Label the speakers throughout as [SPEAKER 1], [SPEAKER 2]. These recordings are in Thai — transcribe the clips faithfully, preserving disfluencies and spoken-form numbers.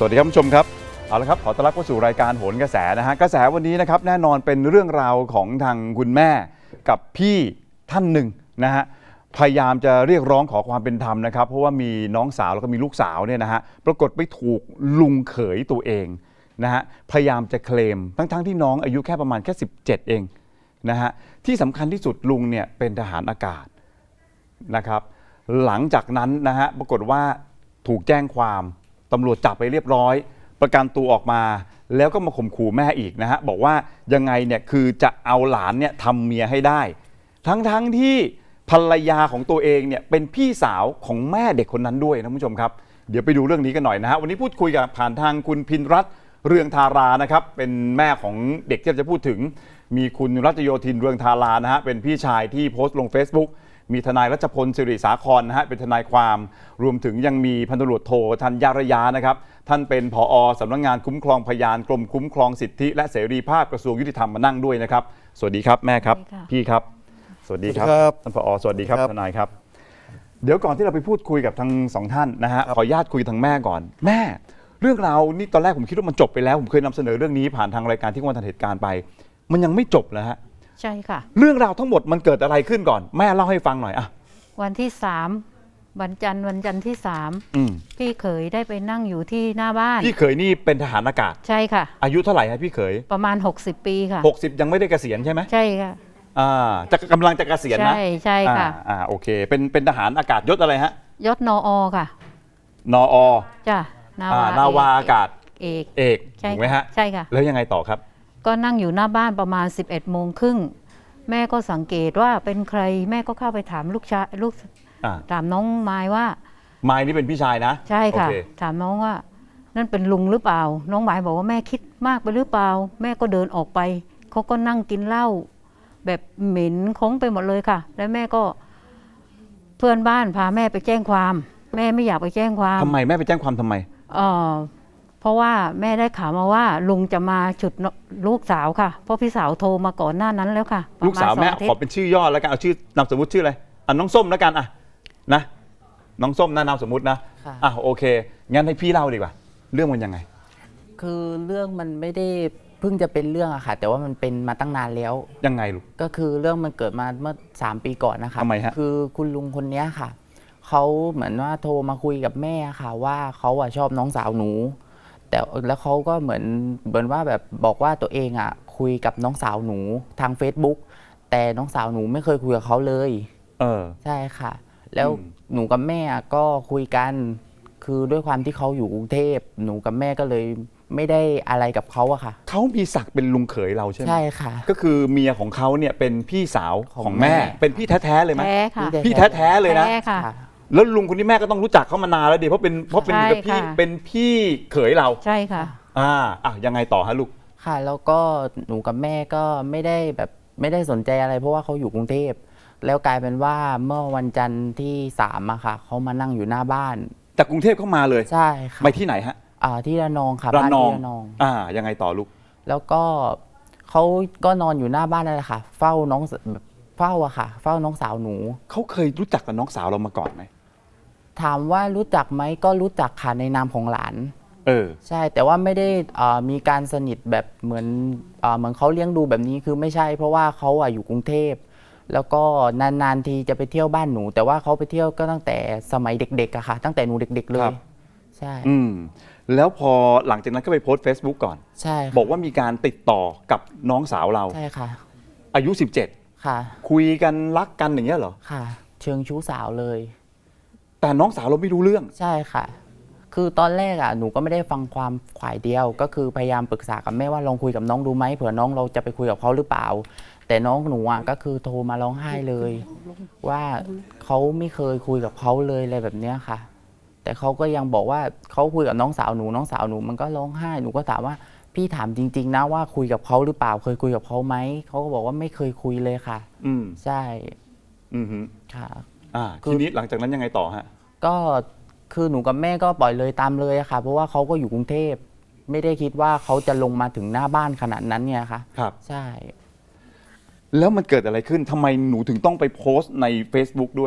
[SPEAKER 1] วัสดีครับผู้ชมครับเอาละครับขอต้อนรับเข้าสู่รายการโหนกระแสนะฮะกระแสวันนี้นะครับแน่นอนเป็นเรื่องราวของทางคุณแม่กับพี่ท่านหนึ่งนะฮะพยายามจะเรียกร้องขอความเป็นธรรมนะครับเพราะว่ามีน้องสาวแล้วก็มีลูกสาวเนี่ยนะฮะปรากฏไปถูกลุงเขยตัวเองนะฮะพยายามจะเคลมทั้งๆที่น้องอายุแค่ประมาณแค่สิบเจ็ดเองนะฮะที่สำคัญที่สุดลุงเนี่ยเป็นทหารอากาศนะครับหลังจากนั้นนะฮะปรากฏว่าถูกแจ้งความตำรวจจับไปเรียบร้อยประกันตัวออกมาแล้วก็มาข่มขู่แม่อีกนะฮะบอกว่ายังไงเนี่ยคือจะเอาหลานเนี่ยทำเมียให้ได้ทั้งๆ ท, ที่ภรรยาของตัวเองเนี่ยเป็นพี่สาวของแม่เด็กคนนั้นด้วยนะผู้ชมครับเดี๋ยวไปดูเรื่องนี้กันหน่อยนะฮะวันนี้พูดคุยกับผ่านทางคุณพินรัตน์เรืองธารานะครับเป็นแม่ของเด็กที่จะพูดถึงมีคุณรัชโยธินเรืองธารานะฮะเป็นพี่ชายที่โพสต์ลง Facebookมีทนายรัชพลสิริสาครนะฮะเป็นทนายความรวมถึงยังมีพันตำรวจโทธัญญระยะนะครับท่านเป็นผอ.สำนักงานคุ้มครองพยานกรมคุ้มครองสิทธิและเสรีภาพกระทรวงยุติธรรมมานั่งด้วยนะครับสวัสดีครับแม่ครับพี่ครับสวัสดีครับท่านผอ.สวัสดีครับทนายครับเดี๋ยวก่อนที่เราไปพูดคุยกับทั้งสองท่านนะฮะขออนุญาตคุยทางแม่ก่อนแม่เรื่องราวนี่ตอนแรกผมคิดว่ามันจบไปแล้วผมเคยนำเสนอเรื่องนี้ผ่านทางรายการที่วันทันเหตุการณ์ไปมันยังไม่จบแล้วฮะ
[SPEAKER 2] ใช่ค่ะ
[SPEAKER 1] เรื่องราวทั้งหมดมันเกิดอะไรขึ้นก่อนแม่เล่าให้ฟังหน่อยอะ
[SPEAKER 2] วันที่สามวันจันทร์วันจันทร์ที่สามพี่เขยได้ไปนั่งอยู่ที่หน้าบ้าน
[SPEAKER 1] พี่เขยนี่เป็นทหารอากาศ
[SPEAKER 2] ใช่ค่ะ
[SPEAKER 1] อายุเท่าไหร่ฮะพี่เขย
[SPEAKER 2] ประมาณหกสิบปีค่ะ
[SPEAKER 1] หกสิบยังไม่ได้เกษียณใช่ไหม
[SPEAKER 2] ใช่ค่ะ
[SPEAKER 1] อ่าจะกำลังจะเกษียณนะ
[SPEAKER 2] ใช่ใช่ค่ะ
[SPEAKER 1] อ่าโอเคเป็นเป็นทหารอากาศยศอะไรฮะ
[SPEAKER 2] ยศนอค่ะ
[SPEAKER 1] นอ
[SPEAKER 2] จ้ะ
[SPEAKER 1] นาวานาวาอากาศ
[SPEAKER 2] เอก
[SPEAKER 1] เอกถูกไหมฮะ
[SPEAKER 2] ใช่ค่ะ
[SPEAKER 1] แล้วยังไงต่อครับ
[SPEAKER 2] ก็นั่งอยู่หน้าบ้านประมาณสิบเอ็ดโมงครึ่งแม่ก็สังเกตว่าเป็นใครแม่ก็เข้าไปถามลูกชายลูกถามน้องไม้ว่า
[SPEAKER 1] ไม้นี่เป็นพี่ชายนะ
[SPEAKER 2] ใช่ค่ะถามน้องว่านั่นเป็นลุงหรือเปล่าน้องไม้บอกว่าแม่คิดมากไปหรือเปล่าแม่ก็เดินออกไปเขาก็นั่งกินเหล้าแบบเหม็นค้งไปหมดเลยค่ะแล้วแม่ก็เพื่อนบ้านพาแม่ไปแจ้งความแม่ไม่อยากไปแจ้งความ
[SPEAKER 1] ทำไมแม่ไปแจ้งความทำไม
[SPEAKER 2] เออเพราะว่าแม่ได้ข่าวมาว่าลุงจะมาฉุดลูกสาวค่ะเพราะพี่สาวโทรมาก่อนหน้านั้นแล้วค่ะ
[SPEAKER 1] ลูกสาวแม่ขอเป็นชื่อย่อแล้วกันเอาชื่อนามสมมุติชื่ออะไรอ่ะน้องส้มแล้วกันอ่ะนะน้องส้มนะนามสมมุตินะอ่ะโอเคงั้นให้พี่เล่าดีกว่าเรื่องมันยังไง
[SPEAKER 3] คือเรื่องมันไม่ได้เพิ่งจะเป็นเรื่องอะค่ะแต่ว่ามันเป็นมาตั้งนานแล้ว
[SPEAKER 1] ยังไงลูก
[SPEAKER 3] ก็คือเรื่องมันเกิดมาเมื่อสามปีก่อนนะคะ
[SPEAKER 1] ทำไมฮะ
[SPEAKER 3] คือคุณลุงคนนี้ค่ะเขาเหมือนว่าโทรมาคุยกับแม่ค่ะว่าเขาอะชอบน้องสาวหนูแต่แล้วเขาก็เหมือนเหมือนว่าแบบบอกว่าตัวเองอะคุยกับน้องสาวหนูทาง Facebook แต่น้องสาวหนูไม่เคยคุยกับเขาเลย
[SPEAKER 1] เออ
[SPEAKER 3] ใช่ค่ะแล้วหนูกับแม่ก็คุยกันคือด้วยความที่เขาอยู่กรุงเทพหนูกับแม่ก็เลยไม่ได้อะไรกับเขาอะค่ะ
[SPEAKER 1] เขามีศักดิ์เป็นลุงเขยเราใช่ไหม
[SPEAKER 3] ใช่ค่ะ
[SPEAKER 1] ก็คือเมียของเขาเนี่ยเป็นพี่สาวของแม่เป็นพี่แท้ๆเลยไหม
[SPEAKER 2] แท้ค่ะ
[SPEAKER 1] พี่แท้ๆเลยนะแล้วลุงคนนี้แม่ก็ต้องรู้จักเขามานานแล้วดิเพราะเป็นเพราะเป็นกับพี่เป็นพี่เขยเรา
[SPEAKER 2] ใช่ค่ะ
[SPEAKER 1] อ่าอ่ะยังไงต่อฮะลูก
[SPEAKER 3] ค่ะแล้วก็หนูกับแม่ก็ไม่ได้แบบไม่ได้สนใจอะไรเพราะว่าเขาอยู่กรุงเทพแล้วกลายเป็นว่าเมื่อวันจันทร์ที่สามอะค่ะเขามานั่งอยู่หน้าบ้าน
[SPEAKER 1] จากกรุงเทพเข้ามาเลย
[SPEAKER 3] ใช่ค่ะ
[SPEAKER 1] ไปที่ไหนฮะ
[SPEAKER 3] อ่าที่ระนองค่ะ
[SPEAKER 1] ระนอง
[SPEAKER 3] ระนอง
[SPEAKER 1] อ่ายังไงต่อลูก
[SPEAKER 3] แล้วก็เขาก็นอนอยู่หน้าบ้านนั่นแหละค่ะเฝ้าน้องแบบเฝ้าอะค่ะเฝ้าน้องสาวหนู
[SPEAKER 1] เขาเคยรู้จักกับน้องสาวเรามาก่อนไหม
[SPEAKER 3] ถามว่ารู้จักไหมก็รู้จักค่ะในนามของหลาน
[SPEAKER 1] เออ
[SPEAKER 3] ใช่แต่ว่าไม่ได้มีการสนิทแบบเหมือนเหมือนเขาเลี้ยงดูแบบนี้คือไม่ใช่เพราะว่าเขาอะอยู่กรุงเทพแล้วก็นานๆทีจะไปเที่ยวบ้านหนูแต่ว่าเขาไปเที่ยวก็ตั้งแต่สมัยเด็กๆอะค่ะตั้งแต่หนูเด็กๆเลยใช่
[SPEAKER 1] อืมแล้วพอหลังจากนั้นก็ไปโพสต์ Facebook ก่อน
[SPEAKER 3] ใช่
[SPEAKER 1] บอกว่ามีการติดต่อกับน้องสาวเรา
[SPEAKER 3] ใช่ค่ะ
[SPEAKER 1] อายุสิบเจ็ด
[SPEAKER 3] ค่ะ
[SPEAKER 1] คุยกันรักกันอย่างเงี้ยเหรอ
[SPEAKER 3] ค่ะเชิงชู้สาวเลย
[SPEAKER 1] แต่น้องสาวเราไม่รู้เรื่อง
[SPEAKER 3] ใช่ค่ะคือตอนแรกอ่ะหนูก็ไม่ได้ฟังความฝ่ายเดียวก็คือพยายามปรึกษากับแม่ว่าลองคุยกับน้องดูไหมเผื่อน้องเราจะไปคุยกับเขาหรือเปล่าแต่น้องหนูอ่ะก็คือโทรมาร้องไห้เลยว่าเขาไม่เคยคุยกับเขาเลยอะไรแบบเนี้ยค่ะแต่เขาก็ยังบอกว่าเขาคุยกับน้องสาวหนูน้องสาวหนูมันก็ร้องไห้หนูก็ถามว่าพี่ถามจริงๆนะว่าคุยกับเขาหรือเปล่าเคยคุยกับเขาไหมเขาก็บอกว่าไม่เคยคุยเลยค่ะ
[SPEAKER 1] อืม
[SPEAKER 3] ใช่
[SPEAKER 1] อืม
[SPEAKER 3] ค่ะ
[SPEAKER 1] อ่าทีนี้หลังจากนั้นยังไงต่อฮะ
[SPEAKER 3] ก็คือหนูกับแม่ก็ปล่อยเลยตามเลยค่ะเพราะว่าเขาก็อยู่กรุงเทพไม่ได้คิดว่าเขาจะลงมาถึงหน้าบ้านขนาดนั้นเนี่ยค่ะ
[SPEAKER 1] ครับ
[SPEAKER 3] ใช่
[SPEAKER 1] แล้วมันเกิดอะไรขึ้นทำไมหนูถึงต้องไปโพสต์ใน Facebook ด้วย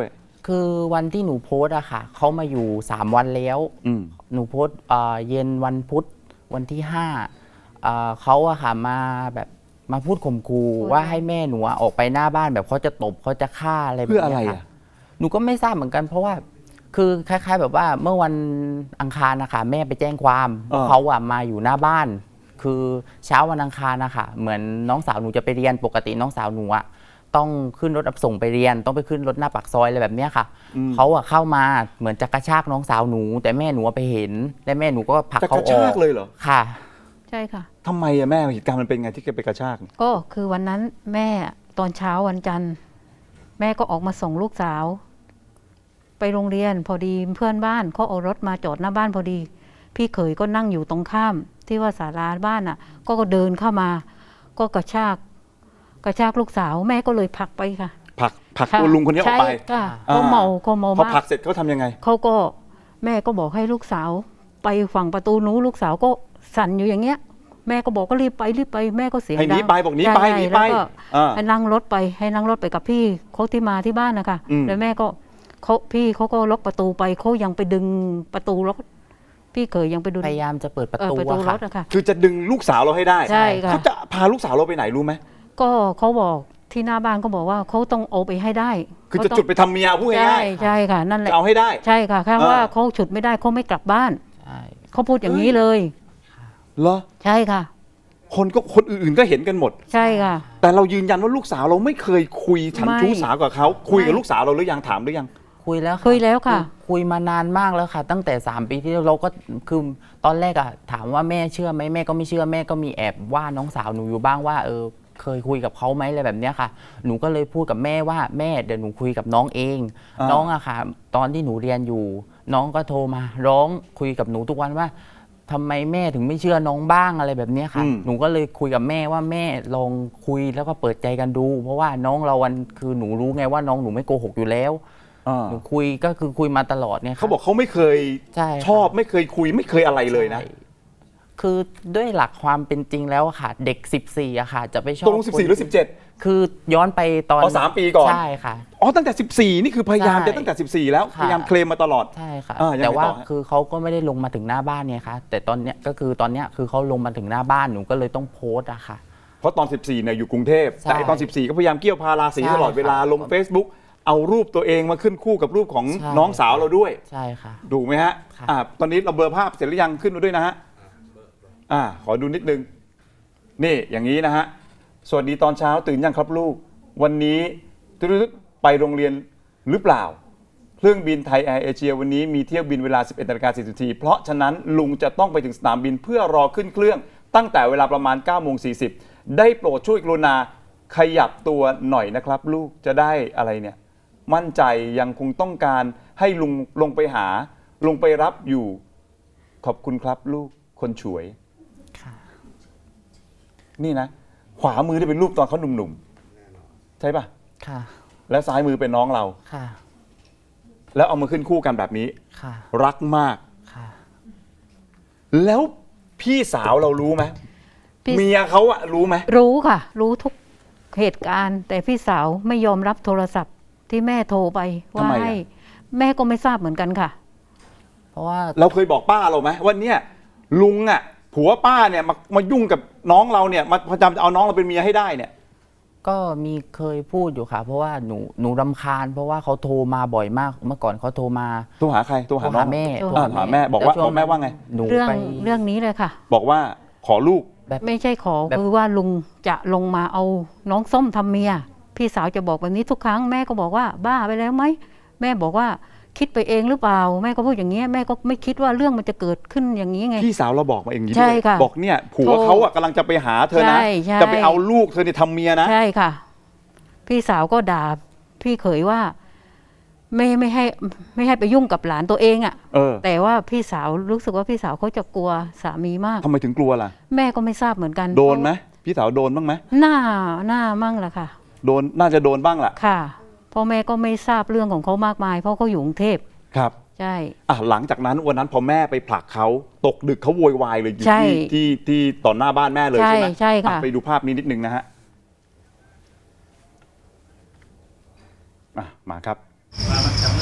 [SPEAKER 3] คือวันที่หนูโพสต์อะค่ะเขามาอยู่สามวันแล้ว
[SPEAKER 1] อืม
[SPEAKER 3] หนูโพสต์เอ่อเย็นวันพุธวันที่ห้าเอ่อเขาอะค่ะมาแบบมาพูดข่มขู่ว่าให้แม่หนูอะออกไปหน้าบ้านแบบเขาจะตบเขาจะฆ่าอะไรแบบ
[SPEAKER 1] เพื่ออะไร
[SPEAKER 3] นี้
[SPEAKER 1] อ่ะ
[SPEAKER 3] ค่ะหนูก็ไม่ทราบเหมือนกัน เพราะว่าคือคล้ายๆ แบบว่าเมื่อวันอังคารนะคะแม่ไปแจ้งความว่าเขาอะมาอยู่หน้าบ้าน คือเช้าวันอังคารนะคะเหมือนน้องสาวหนูจะไปเรียนปกติน้องสาวหนูอะต้องขึ้นรถรับส่งไปเรียน ต้องไปขึ้นรถหน้าปากซอยอะไรแบบเนี้ยค่ะ
[SPEAKER 1] อืม
[SPEAKER 3] เขาอะเข้ามาเหมือนจะกระชากน้องสาวหนู แต่แม่หนูไปเห็นและแม่หนูก็ผลัก
[SPEAKER 1] จะ
[SPEAKER 3] เขา
[SPEAKER 1] กระ
[SPEAKER 3] อ
[SPEAKER 1] ชา
[SPEAKER 3] อก ก
[SPEAKER 1] เลยเหรอ
[SPEAKER 3] ค่ะ
[SPEAKER 2] ใช่ค่ะ
[SPEAKER 1] ทำไมอะแม่เหตุการณ์มันเป็นไงที่แกไปกระชาก
[SPEAKER 2] ก็คือวันนั้นแม่ตอนเช้าวันจันทร์ แม่ก็ออกมาส่งลูกสาว ไปโรงเรียนพอดีเพื่อนบ้านเขาเอารถมาจอดหน้าบ้านพอดี พี่เขยก็นั่งอยู่ตรงข้าม ที่ว่าศาลาบ้านอ่ะ ก็เดินเข้ามา ก็กระชาก กระชากลูกสาว แม่ก็เลยผลักไปค่ะ
[SPEAKER 1] ผลักผลัก
[SPEAKER 2] ค่ะ
[SPEAKER 1] ตัวลุงคนนี้ออกไป
[SPEAKER 2] ใช่ค่ะ
[SPEAKER 1] อ่า
[SPEAKER 2] เขาเมาเขาเมา
[SPEAKER 1] พอ
[SPEAKER 2] มา
[SPEAKER 1] ผลั
[SPEAKER 2] ก
[SPEAKER 1] กเสร็จเขาทำยังไง
[SPEAKER 2] เขาก็แม่ก็บอกให้ลูกสาว ไปฝั่งประตูนู้นลูกสาวก็สั่นอยู่อย่างเงี้ย แม่ก็บอกก็รีบไปรีบไปแม่ก็เสียง
[SPEAKER 1] ให้หนี
[SPEAKER 2] ดัง
[SPEAKER 1] ไปบอกหนีไป
[SPEAKER 2] ใช่
[SPEAKER 1] หนีไป
[SPEAKER 2] แล้วก็
[SPEAKER 1] อ่า
[SPEAKER 2] ให้นั่งรถไปให้นั่งรถไปกับพี่เขาที่มาที่บ้านนะคะ
[SPEAKER 1] อืม
[SPEAKER 2] แล้วแม่ก็เขาพี่เขาก็ล็อกประตูไปเขายังไปดึงประตูรถพี่เคยยังไปดู
[SPEAKER 3] พยายามจะเปิดประ
[SPEAKER 2] เออ
[SPEAKER 3] ตู
[SPEAKER 2] ประตู
[SPEAKER 3] อะ
[SPEAKER 2] ร
[SPEAKER 3] ค่ะ
[SPEAKER 2] ถอะค่ะ
[SPEAKER 1] คือจะดึงลูกสาวเราให้ได้
[SPEAKER 2] ใช่ค่ะ
[SPEAKER 1] เขาจะพาลูกสาวเราไปไหนรู้ไหม
[SPEAKER 2] ก็เขาบอกที่หน้าบ้านก็บอกว่าเขาต้องเอาไปให้ได้
[SPEAKER 1] คือจะ
[SPEAKER 2] เขาต้ง
[SPEAKER 1] จุดไปทำเมียพูด
[SPEAKER 2] ใช่
[SPEAKER 1] ง่าย
[SPEAKER 2] ใช่ค่ะ นั่น
[SPEAKER 1] ๆ
[SPEAKER 2] แหละ
[SPEAKER 1] จะเอาให้ได้
[SPEAKER 2] ใช่ค่ะแค่
[SPEAKER 1] เออ
[SPEAKER 2] ว่าเขาฉุดไม่ได้เขาไม่กลับบ้าน
[SPEAKER 3] ใช่
[SPEAKER 2] เขาพูดอย่างนี้เลย
[SPEAKER 1] เหรอ
[SPEAKER 2] ใช่ค่ะ
[SPEAKER 1] คนก็คนอื่นๆก็เห็นกันหมด
[SPEAKER 2] ใช่ค่ะ
[SPEAKER 1] แต่เรายืนยันว่าลูกสาวเราไม่เคยคุยฉัน
[SPEAKER 2] ไม่
[SPEAKER 1] ชู้สาวกับเขาคุยกับ
[SPEAKER 2] ไม่
[SPEAKER 1] ลูกสาวเราหรือยังถามหรือยัง
[SPEAKER 3] คุยแล้ว
[SPEAKER 2] คุยแล้วค่ะ
[SPEAKER 3] คุยมานานมากแล้วค่ะ ตั้งแต่สามปีที่แล้วเราก็คือตอนแรกอะถามว่าแม่เชื่อไหมแม่ก็ไม่เชื่อแม่ก็มีแอบว่าน้องสาวหนูอยู่บ้างว่าเออเคยคุยกับเขาไหมอะไรแบบเนี้ยค่ะ หนูก็เลยพูดกับแม่ว่าแม่เดี๋ยวหนูคุยกับน้องเอง
[SPEAKER 1] อ่า
[SPEAKER 3] น้องอะค่ะ ตอนที่หนูเรียนอยู่ น้องก็โทรมา ร้องคุยกับหนูทุกวันว่าทำไมแม่ถึงไม่เชื่อน้องบ้างอะไรแบบเนี้ยค่ะ
[SPEAKER 1] อืม
[SPEAKER 3] หนูก็เลยคุยกับแม่ว่าแม่ลองคุยแล้วก็เปิดใจกันดู เพราะว่าน้องเราวันคือหนูรู้ไงว่าน้องหนูไม่โกหกอยู่แล้ว
[SPEAKER 1] อ่า
[SPEAKER 3] หนูคุยก็คือคุยมาตลอดเนี่ยค่ะ
[SPEAKER 1] เขาบอกเขาไม่เคย
[SPEAKER 3] ใช่ค่ะ
[SPEAKER 1] ชอบไม่เคยคุยไม่เคยอะไรเลยนะ
[SPEAKER 3] ใช่คือด้วยหลักความเป็นจริงแล้วอะค่ะ เด็ก สิบสี่อะค่ะ จะไปชอบ
[SPEAKER 1] ตกลงสิบสี่หรือสิบเจ็ด
[SPEAKER 3] คือย้อนไปตอน
[SPEAKER 1] อ๋อสามปีก่อน
[SPEAKER 3] ใช่ค่ะ
[SPEAKER 1] อ๋อตั้งแต่สิบสี่นี่คือพยายาม
[SPEAKER 3] ใช่
[SPEAKER 1] จะตั้งแต่สิบสี่แล้ว
[SPEAKER 3] ค่ะ
[SPEAKER 1] พยายามเคลมมาตลอด
[SPEAKER 3] ใช่ค่ะ
[SPEAKER 1] อ่ายังไง
[SPEAKER 3] แต่ว่า
[SPEAKER 1] ต่อฮะ
[SPEAKER 3] คือเขาก็ไม่ได้ลงมาถึงหน้าบ้านเนี่ยค่ะแต่ตอนเนี้ยก็คือตอนเนี้ยคือเขาลงมาถึงหน้าบ้านหนูก็เลยต้องโพสต์อะค่ะ
[SPEAKER 1] เพราะตอนสิบสี่เนี่ยอยู่กรุงเทพ
[SPEAKER 3] ใช่
[SPEAKER 1] แต่ไอ้ตอนสิบสี่ก็พยายามเกี่ยวพาราศี
[SPEAKER 3] ใช่
[SPEAKER 1] ตลอดเวลา
[SPEAKER 3] ค่ะ
[SPEAKER 1] ลง Facebook เอารูปตัวเองมาขึ้นคู่กับรูปของ
[SPEAKER 3] ใช่
[SPEAKER 1] น้องสาวเราด้วย
[SPEAKER 3] ใช่ค่ะ
[SPEAKER 1] ถูกไหมฮะ
[SPEAKER 3] ค่ะ
[SPEAKER 1] อ่าตอนนี้เราเบลอร์ภาพเสร็จหรือยังขึ้นมาด้วยนะฮะอ่าขอดูนิดนึงนี่อย่างนี้นะฮะสวัสดีตอนเช้าตื่นยังครับลูก วันนี้ตึ๊ดๆไปโรงเรียนหรือเปล่า เครื่องบินไทยแอร์เอเชียวันนี้มีเที่ยวบินเวลา สิบเอ็ดนาฬิกาสี่สิบนาทีเพราะฉะนั้นลุงจะต้องไปถึงสนามบินเพื่อรอขึ้นเครื่องตั้งแต่เวลาประมาณเก้าโมงสี่สิบได้โปรดช่วยกรุณาขยับตัวหน่อยนะครับ ลูกจะได้อะไรเนี่ยมั่นใจยังคงต้องการให้ลุงลงไปหาลงไปรับอยู่ขอบคุณครับลูกคนฉวย
[SPEAKER 3] ค่ะ
[SPEAKER 1] นี่นะ ขวามือที่เป็นรูปตอนเขาหนุ่มๆใช่ปะ
[SPEAKER 3] ค่ะ
[SPEAKER 1] และซ้ายมือเป็นน้องเรา
[SPEAKER 3] ค่ะ
[SPEAKER 1] แล้วเอามาขึ้นคู่กันแบบนี้
[SPEAKER 3] ค่ะ
[SPEAKER 1] รักมาก
[SPEAKER 3] ค่ะ
[SPEAKER 1] แล้วพี่สาวเรารู้ไหม
[SPEAKER 2] พี่
[SPEAKER 1] เมียเขาอะรู้ไหม
[SPEAKER 2] รู้ค่ะ รู้ทุกเหตุการณ์ แต่พี่สาวไม่ยอมรับโทรศัพท์ที่แม่โทรไปว่าให้แม่ก็ไม่ทราบเหมือนกันค่ะ
[SPEAKER 3] เพราะว่า
[SPEAKER 1] เราเคยบอกป้าเราไหมว่าเนี่ยลุงอะผัวป้าเนี่ยมามายุ่งกับน้องเราเนี่ยมาพยายามจะเอาน้องเราเป็นเมียให้ได้เนี่ย
[SPEAKER 3] ก็มีเคยพูดอยู่ค่ะ เพราะว่าหนูหนูรำคาญ เพราะว่าเขาโทรมาบ่อยมากเมื่อก่อนเขาโทรมา
[SPEAKER 1] โทรหาใครโทร
[SPEAKER 3] โท
[SPEAKER 1] หาร น้
[SPEAKER 3] หา
[SPEAKER 1] อง
[SPEAKER 3] แม่
[SPEAKER 2] โทร
[SPEAKER 1] อ่าหาแม่บอกว่า
[SPEAKER 3] ล้ช่
[SPEAKER 1] บอกแม่ว่าไง
[SPEAKER 3] หนู
[SPEAKER 2] เรื่อง
[SPEAKER 3] ไป
[SPEAKER 2] เรื่องนี้เลยค่ะ
[SPEAKER 1] บอกว่าขอลูก
[SPEAKER 3] แบบ
[SPEAKER 2] ไม่ใช่ขอ
[SPEAKER 3] แบบ
[SPEAKER 2] คือว่าลุงจะลงมาเอาน้องส้มทำเมีย พี่สาวจะบอกแบบนี้ทุกครั้งแม่ก็บอกว่าบ้าไปแล้วไหมแม่บอกว่าคิดไปเองหรือเปล่า แม่ก็พูดอย่างเงี้ยแม่ก็ไม่คิดว่าเรื่องมันจะเกิดขึ้นอย่างนี้ไง
[SPEAKER 1] พี่สาวเราบอกมาเองอย่างนี้
[SPEAKER 2] ใช่
[SPEAKER 1] ด้วย
[SPEAKER 2] ค่ะ
[SPEAKER 1] บอกเนี่ยผัว
[SPEAKER 2] โทร
[SPEAKER 1] เขาอะกำลังจะไปหาเธอนะ
[SPEAKER 2] ใช่ใช่
[SPEAKER 1] จะไปเอาลูกเธอเนี่ยทำเมียนะ
[SPEAKER 2] ใช่ค่ะ พี่สาวก็ด่าพี่เขยว่าไม่ไม่ให้ไม่ให้ไปยุ่งกับหลานตัวเองอะ่ะ
[SPEAKER 1] เออ
[SPEAKER 2] แต่ว่าพี่สาวรู้สึกว่าพี่สาวเขาจะกลัวสามีมาก
[SPEAKER 1] ทำไมถึงกลัวล่ะ
[SPEAKER 2] แม่ก็ไม่ทราบเหมือนกัน
[SPEAKER 1] โดนไหมพี่สาวโดนบ้างไหม
[SPEAKER 2] หน้าหน้ามั่งแหละค่ะ
[SPEAKER 1] โดนน่าจะโดนบ้างแหละ
[SPEAKER 2] ค่ะพ่อแม่ก็ไม่ทราบเรื่องของเขามากมาย เพราะเขาอยู่กรุงเทพ
[SPEAKER 1] ครับ
[SPEAKER 2] ใช่
[SPEAKER 1] อ่ะหลังจากนั้นวันนั้นพอแม่ไปผลักเขาตกดึกเขาโวยวายเลยอยู่
[SPEAKER 2] ใช่
[SPEAKER 1] ที่ที่ที่ต่อหน้าบ้านแม่เลย
[SPEAKER 2] ใช่
[SPEAKER 1] ใช่ไหม
[SPEAKER 2] ใช่ค่ะ
[SPEAKER 1] อ่ไปดูภาพนี้นิดนึงนะฮะอ่ะมาครับ
[SPEAKER 4] ว่ามันจะมืด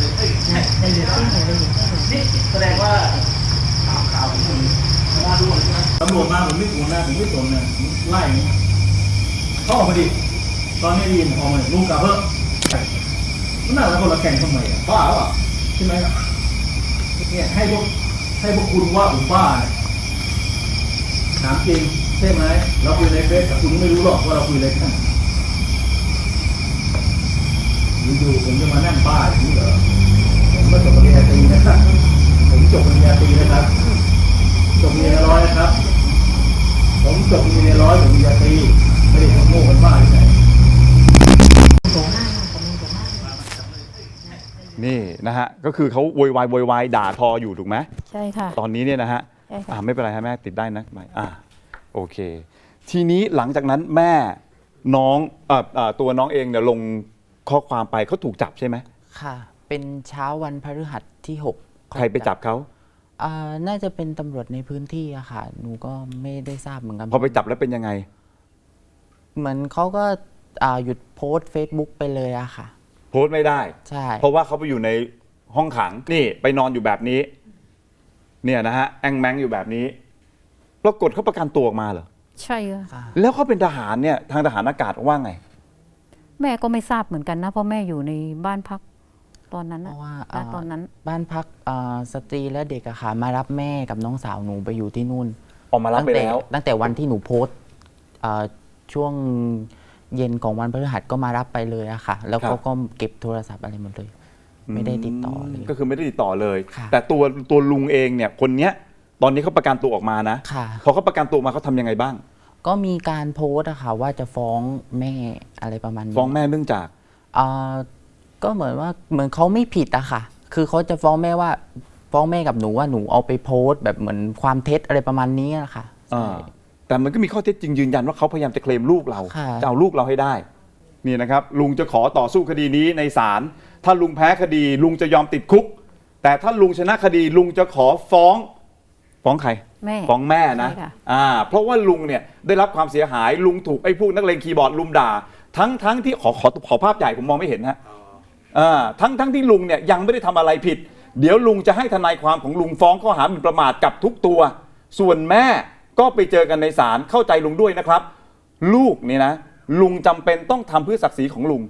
[SPEAKER 2] ได้ยินเสียงเลยได้ยินเสียงเลย
[SPEAKER 4] นี่แสดงว่าข่าวข่าวของคุณมาด้วยใช่ไหมตำรวจมาผมไม่กลัวนะผมไม่สนนะผมไล่เขาออกมาดิตอนนี้ได้ยินออกมาลูกกาเพิ่มมันน่าจะคนละแข่งทำไมอ่ะบ้าหรือเปล่าใช่ไหมเนี่ยให้พวกให้พวกคุณว่าผมบ้าเนี่ยถามจริงใช่ไหมเราคุยในเฟซแต่คุณไม่รู้หรอกว่าเราคุยอะไรกันอยู่ๆผมจะมานั่งบ้าอย่างนี้เหรอผมก็จบปริญญาตรีนะครับผมจบปริญญาตรีนะครับจบปริญญาร้อยนะครับผมจบปริญญาร้อยจบปริญญาตรีไม่ได้ทำโง่กันบ้าที่ไหน
[SPEAKER 1] นี่นะฮะก็คือเขาโวยวายโวยวายด่าทออยู่ถูกไหม
[SPEAKER 2] ใช่ค่ะ
[SPEAKER 1] ตอนนี้เนี่ยนะฮะ
[SPEAKER 2] ใช่ค่ะ
[SPEAKER 1] อ่าไม่เป็นไรฮะแม่ติดได้นะไม่อ่าโอเค ทีนี้หลังจากนั้นแม่น้องเอ่อเอ่อตัวน้องเองเนี่ยลงข้อความไปเขาถูกจับใช่ไหม
[SPEAKER 3] ค่ะ เป็นเช้าวันพฤหัสที่หก
[SPEAKER 1] ใครไปจับเขา
[SPEAKER 3] อ่าน่าจะเป็นตำรวจในพื้นที่อะค่ะ หนูก็ไม่ได้ทราบเหมือนกัน
[SPEAKER 1] พอไปจับแล้วเป็นยังไง
[SPEAKER 3] เหมือนเขาก็อ่าหยุดโพสต์ Facebook ไปเลยอะค่ะ
[SPEAKER 1] โพสต์ไม่ได้
[SPEAKER 3] ใช่
[SPEAKER 1] เพราะว่าเขาไปอยู่ในห้องขังนี่ไปนอนอยู่แบบนี้ เนี่ยนะฮะแองแมงอยู่แบบนี้ปรากฏเขาประกันตัวออกมาเหรอ
[SPEAKER 2] ใช่ค่ะ
[SPEAKER 3] ค่ะ
[SPEAKER 1] แล้วเขาเป็นทหารเนี่ยทางทหารอากาศว่าไง
[SPEAKER 2] แม่ก็ไม่ทราบเหมือนกันนะเพราะแม่อยู่ในบ้านพักตอนนั้น
[SPEAKER 3] เพ
[SPEAKER 2] นะ
[SPEAKER 3] ราะว่า
[SPEAKER 2] ณ
[SPEAKER 3] อ่า
[SPEAKER 2] ตอนนั้น
[SPEAKER 3] บ้านพักอ่าสตรีและเด็กอะค่ะ มารับแม่กับน้องสาวหนูไปอยู่ที่นู่น
[SPEAKER 1] ออกมารับไปแล้ว
[SPEAKER 3] ตั้งต่ตั้งแต่วันที่หนูโพสต์อ่าช่วงเย็นของวันพฤหัสก็มารับไปเลยอะค่ะ แล้ว
[SPEAKER 1] ครั
[SPEAKER 3] เขา
[SPEAKER 1] บ
[SPEAKER 3] ก็เก็บโทรศัพท์อะไรหมดเลย ไม่ได้ติดต่อเลย
[SPEAKER 1] ก็คือไม่ได้ติดต่อเลย
[SPEAKER 3] ค่ะ
[SPEAKER 1] แต่ตัวตัวลุงเองเนี่ยคนเนี้ยตอนนี้เขาประกันตัวออกมานะ
[SPEAKER 3] ค่ะ
[SPEAKER 1] พอเขาประกันตัวมาเขาทำยังไงบ้าง
[SPEAKER 3] ก็มีการโพสต์อะค่ะว่าจะฟ้องแม่อะไรประมาณนี้
[SPEAKER 1] ฟ้องแม่เนื่องจาก
[SPEAKER 3] อ่าก็เหมือนว่าเหมือนเขาไม่ผิดอะค่ะ คือเขาจะฟ้องแม่ว่าฟ้องแม่กับหนูว่าหนูเอาไปโพสต์แบบเหมือนความเท็จอะไรประมาณนี้อะค่ะใช่
[SPEAKER 1] อ่าแต่มันก็มีข้อเท็จจริงยืนยันว่าเขาพยายามจะเคลมลูกเรา
[SPEAKER 3] ค่ะ
[SPEAKER 1] จะเอาลูกเราให้ได้นี่นะครับลุงจะขอต่อสู้คดีนี้ในศาลถ้าลุงแพ้คดี ลุงจะยอมติดคุก แต่ถ้าลุงชนะคดีลุงจะขอฟ้อง ฟ้องใคร
[SPEAKER 2] แม่
[SPEAKER 1] ฟ้องแม่นะ
[SPEAKER 2] ใช่ค่ะ
[SPEAKER 1] อ่าเพราะว่าลุงเนี่ยได้รับความเสียหายลุงถูกไอ้พวกนักเลงคีย์บอร์ดลุมด่า ทั้งทั้งที่ขอขอขอภาพใหญ่ผมมองไม่เห็นฮะอ่าทั้งทั้งที่ลุงเนี่ยยังไม่ได้ทำอะไรผิด เดี๋ยวลุงจะให้ทนายความของลุงฟ้องข้อหาหมิ่นประมาทกับทุกตัว ส่วนแม่ก็ไปเจอกันในศาลเข้าใจลุงด้วยนะครับ ลูกนี่นะลุงจำเป็นต้องทำเพื่อศักดิ์ศรีของลุง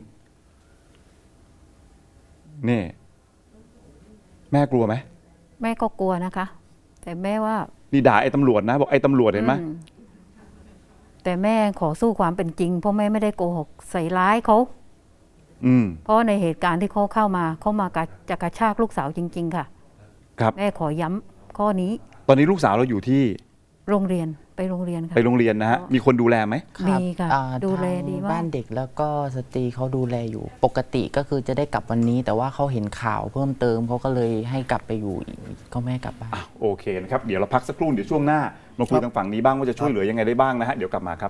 [SPEAKER 1] นี่แม่กลัวไหม
[SPEAKER 2] แม่ก็กลัวนะคะ แต่แม่ว่า
[SPEAKER 1] นี่ด่าไอ้ตำรวจนะบอกไอ้ตำรวจเห็นไหม
[SPEAKER 2] อืมแต่แม่ขอสู้ความเป็นจริง เพราะแม่ไม่ได้โกหกใส่ร้ายเขา
[SPEAKER 1] อืม
[SPEAKER 2] เพราะในเหตุการณ์ที่เขาเข้ามาเขามากระจะกระชากลูกสาวจริง ๆ ค่ะ
[SPEAKER 1] ครับ
[SPEAKER 2] แม่ขอย้ำข้อนี้
[SPEAKER 1] ตอนนี้ลูกสาวเราอยู่ที่
[SPEAKER 2] โรงเรียนไปโรงเรียนค่ะ
[SPEAKER 1] ไปโรงเรียนนะฮะมีคนดูแลไหม
[SPEAKER 3] รับ
[SPEAKER 2] มีค่ะ
[SPEAKER 3] อ่า
[SPEAKER 2] ดูแลดีมาก
[SPEAKER 3] บ้านเด็กแล้วก็สตรีเขาดูแลอยู่ ปกติก็คือจะได้กลับวันนี้ แต่ว่าเขาเห็นข่าวเพิ่มเติมเขาก็เลยให้กลับไปอยู่อีกก็ไม่ให้กลับบ้าน
[SPEAKER 1] อ่ะโอเคนะครับเดี๋ยวเราพักสักครู่เดี๋ยวช่วงหน้ามาคุยทางฝั่งนี้บ้างว่าจะช่วยเหลือยังไงได้บ้างนะฮะเดี๋ยวกลับมาครับ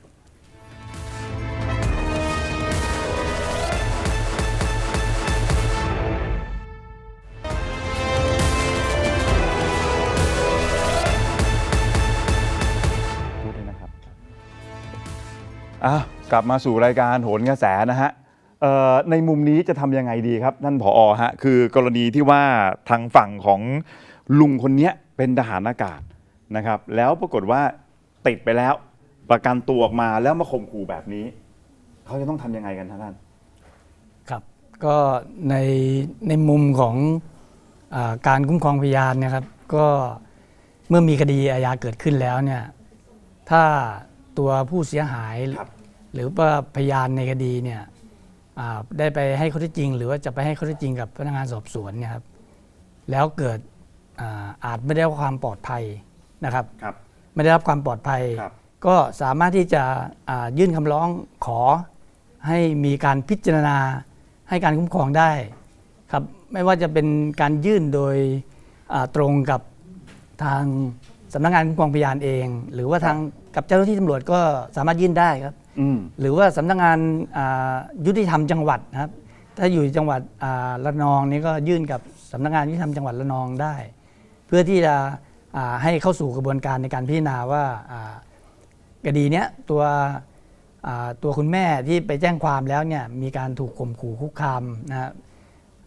[SPEAKER 1] พูดด้วยนะครับอ่ะกลับมาสู่รายการโหนกระแสนะฮะเอ่อในมุมนี้จะทำยังไงดีครับท่านผอฮะคือกรณีที่ว่าทางฝั่งของลุงคนเนี้ยเป็นทหารอากาศนะครับ แล้วปรากฏว่าติดไปแล้ว ประกันตัวออกมาแล้วมาข่มขู่แบบนี้ เขาจะต้องทำยังไงกันท่าน
[SPEAKER 5] ครับก็ในในมุมของอาการคุ้มครองพยานเนะครับ ก็เมื่อมีคดีอาญาเกิดขึ้นแล้วเนี่ยถ้าตัวผู้เสียหาย
[SPEAKER 1] ครับ
[SPEAKER 5] หรือว่าพยานในคดีเนี่ยอ่าได้ไปให้ข้อเท็จจริง หรือว่าจะไปให้ข้อเท็จจริงกับพนักงานสอบสวนเนี่ยครับแล้วเกิดอาอาจไม่ได้รับความปลอดภัยนะครับ
[SPEAKER 1] ครับ
[SPEAKER 5] ไม่ได้รับความปลอดภัย
[SPEAKER 1] ครับ
[SPEAKER 5] ก็สามารถที่จะอ่ายื่นคำร้องขอให้มีการพิจารณาให้การคุ้มครองได้ครับไม่ว่าจะเป็นการยื่นโดยอ่าตรงกับทางสำนักงานคุ้มครองพยานเอง หรือว่าทางกับเจ้าหน้าที่ตำรวจก็สามารถยื่นได้ครับ
[SPEAKER 1] อืม
[SPEAKER 5] หรือว่าสำนักงานอ่ายุติธรรมจังหวัดนะครับถ้าอยู่จังหวัดอ่าระนองนี่ก็ยื่นกับสำนักงานยุติธรรมจังหวัดระนองได้ เพื่อที่จะอ่าให้เข้าสู่กระบวนการในการพิจารณาว่าอ่าคดีเนี้ยตัวอ่าตัวคุณแม่ที่ไปแจ้งความแล้วเนี่ยมีการถูกข่มขู่คุกคามนะครับ